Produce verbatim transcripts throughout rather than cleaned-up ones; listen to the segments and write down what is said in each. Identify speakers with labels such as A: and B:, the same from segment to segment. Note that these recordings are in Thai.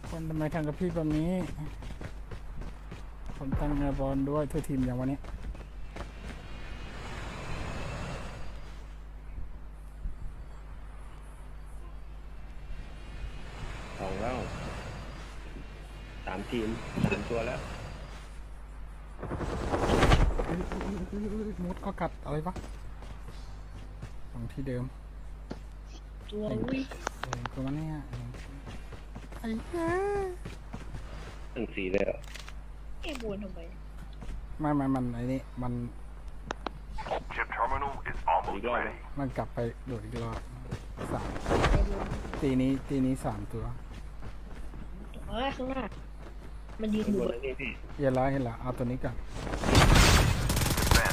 A: คนทำไมทำกับพี่แบบนี้ผมตั้งแนวบอลด้วยเธอทีมอย่างวันนี้
B: สองแล้วสามทีมสามตัวแล้ว
A: มุดก็กัดอะไรปะตรงที่เดิม
C: ตัววิ
A: เออตัวมันเนี่ยไอ้เหี้ย
B: ตั้งสี่เลยเหรอ
C: เอ้บวนทำไม
A: ไม่ไม่มันไอ้นี่มัน
D: Chip terminal is almost ready.
A: มันกลับไปโดดอีกรอบสาม
C: ไอ้บวน
A: ตีนี้ตีนี้สามตัว
C: เอ้ยข้างหน้ามันยืน
B: ข้าง
C: อบ ยู่
B: น
C: บน
B: แล้วนี่พี่
A: เห็นแล้วเห็นแล้วเอาตัวนี้ก่อน
D: Defense.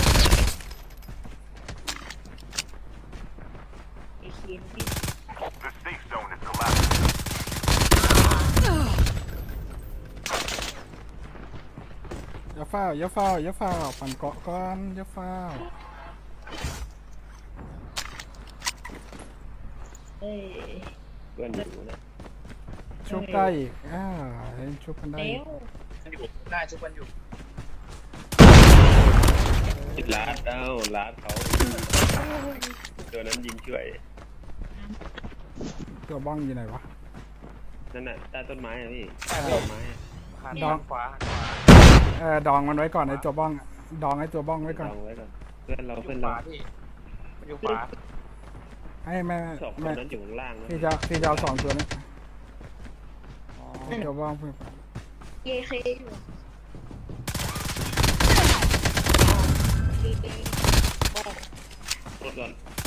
C: ไอ้เคียนพี่
D: The safe zone is collapsing.
A: อย่าเฝ้าอย่าเฝ้าอย่าเฝ้าปั่นเกาะก่อนอย่าเฝ้า
C: เอ้ย
B: เพื่อนอยู่นะ
A: ชุบได้อีกอ่าเห็นชุบกันได้
C: แล้ว
E: อยู่ได้ทุกวันอยู่
B: ติดลาดเอ้าลาดเขาตัวนั้นยิงช่วย
A: ตัวบ้องอยู่ไหนวะ
B: นั่นน่ะใต้ต้นไม้อะพี่
E: ใช่
B: ใต้
E: พี่
B: ต้นไม้อะ
E: หัน
A: ดอง
E: ขวาหันขวา
A: เออดองมันไว้ก่อนไอ้ตัวบ้องอะดองไอ้ตัวบ้องไว้ก่อน
B: ลองไว้ก่อนเพื่อนเรา
E: อยู่
B: เพื่อน
E: ข
B: เรา
E: วาพี่มันอยู่ขวา
A: ให้แม่
B: สองคน
A: แม่
B: นั้นอยู่ข้างล่างนะ
A: พี่จะพี่จะเอาสองตัวนี้ไอ้ตัวบ้องเพื่อน
C: เยเคอยู่เอบอก
B: รถก่อน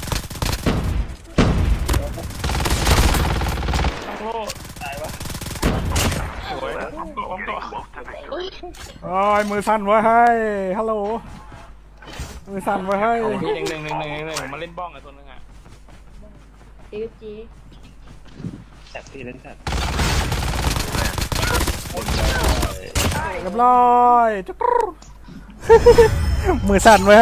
E: โอ้โหตายวะสวยผมตัวผมตัว
D: Close to victory.
C: เอ้ย
A: โอ้ยมือสั่นไว้ให้ฮัลโหลมือสั่นไว้ให้
E: เอาพี่หนึ่งหนึ่งหนึ่งหนึ่งหนึ่งผมมาเล่นบ้องกับตัวนึงอ่ะ
C: เอฟจี
B: แท็บพี่เล่นแท็บ
A: เรียบร้อยจุ๊กรู มือสั่นไว้